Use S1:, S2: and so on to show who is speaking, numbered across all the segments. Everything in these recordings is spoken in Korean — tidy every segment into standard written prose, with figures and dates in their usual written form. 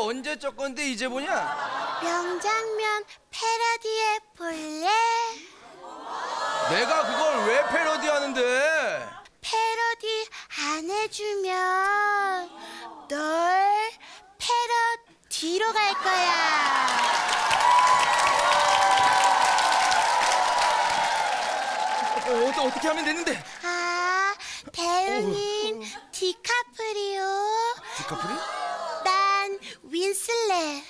S1: 언제 적 건데 이제 보냐?
S2: 명장면 패러디해 볼래?
S1: 내가 그걸 왜 패러디하는데?
S2: 패러디 안 해주면 널 패러디로 갈 거야.
S1: 어떻게 하면 되는데?
S2: 아, 배우는 디카프리오,
S1: 디카프리?
S2: 난 윈슬렛.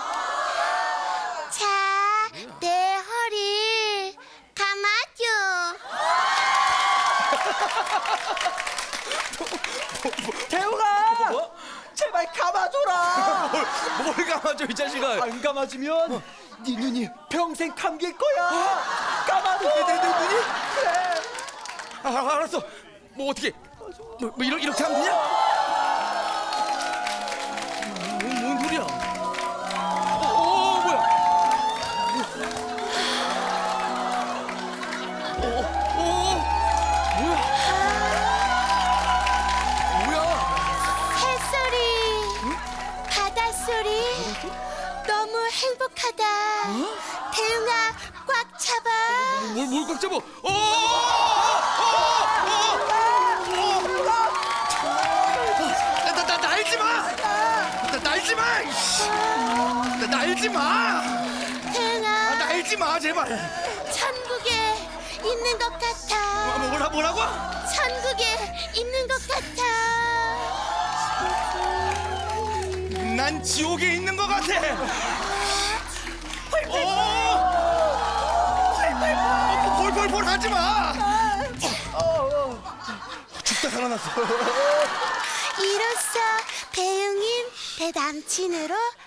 S2: 자, 내 허리 감아줘.
S3: 대웅아!
S1: 뭐?
S3: 제발 감아줘라!
S1: 뭘 감아줘 이 자식아?
S3: 안 감아주면 네 눈이 평생 감길 거야! 감아줘!
S1: 내 눈이?
S3: 그래!
S1: 알았어. 뭐 어떻게? 뭐 이렇게 하면 되냐? 뭔 소리야? 뭐야? 뭐야?
S2: 햇소리, 바닷소리, 너무 행복하다. 대웅아, 꽉 잡아.
S1: 뭘 꽉 잡아? 나 날지 마! 날지 마! 날지 마!
S2: 대웅아,
S1: 날지 마 제발.
S2: 천국에 있는 것 같아.
S1: 뭐라고?
S2: 천국에 있는 것 같아.
S1: 난 지옥에 있는 것 같아. 펄펄펄 하지 마. 죽다 살아났어.
S2: 이로써 배웅인 내 남친으로